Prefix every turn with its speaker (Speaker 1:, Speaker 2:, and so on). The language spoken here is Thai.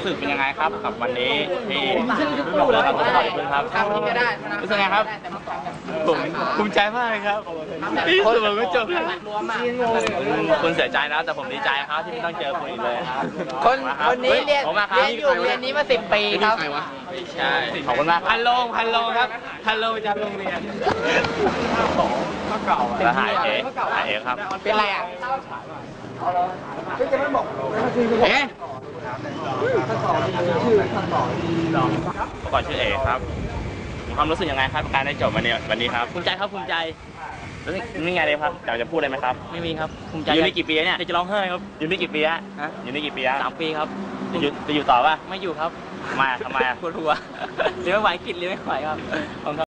Speaker 1: สึกเป็นยังไงครับกับวันนี้ที่เราทำต่อยคุณครับรู้สึกไงครับผมภูมิใจมากเลยครับที่สุดผมก็จบแล้วคุณเสียใจนะแต่ผมดีใจครับที่ไม่ต้องเจอคุณอีกเลยครับ
Speaker 2: คนนี้เรียนอยู่เรียนนี้มา10 ปีครับ
Speaker 1: ใช่ขอบคุณมากพันโลงครับพันโลงประจำโรงเรียนแล้วหายเอ๋ครับ
Speaker 2: เป็นไรอ่ะ
Speaker 1: เอ๊ะก่อนชื่อเอ๋ครับมีความรู้สึกยังไงครับการได้จบวันนี้ครับ
Speaker 2: ภูมิใจครับภูมิใจ
Speaker 1: รู้สึกนี่ไงเลยครับอยากจะพูดอะไรไหมครับ
Speaker 2: ไม่มีครับภูมิใจ
Speaker 1: อยู่นี่กี่ปีเนี่ย
Speaker 2: จะร้องไห้ครับ
Speaker 1: อยู่นี่กี่ปีฮะอยู่นี่กี่ปีฮะ
Speaker 2: 3 ปีครับ
Speaker 1: จะอยู่ต่อป่ะ
Speaker 2: ไม่อยู่ครับ
Speaker 1: มาทำไม
Speaker 2: ปวดหัวเรียนไม่ไหวกิจเรียนไม่ไหวครับ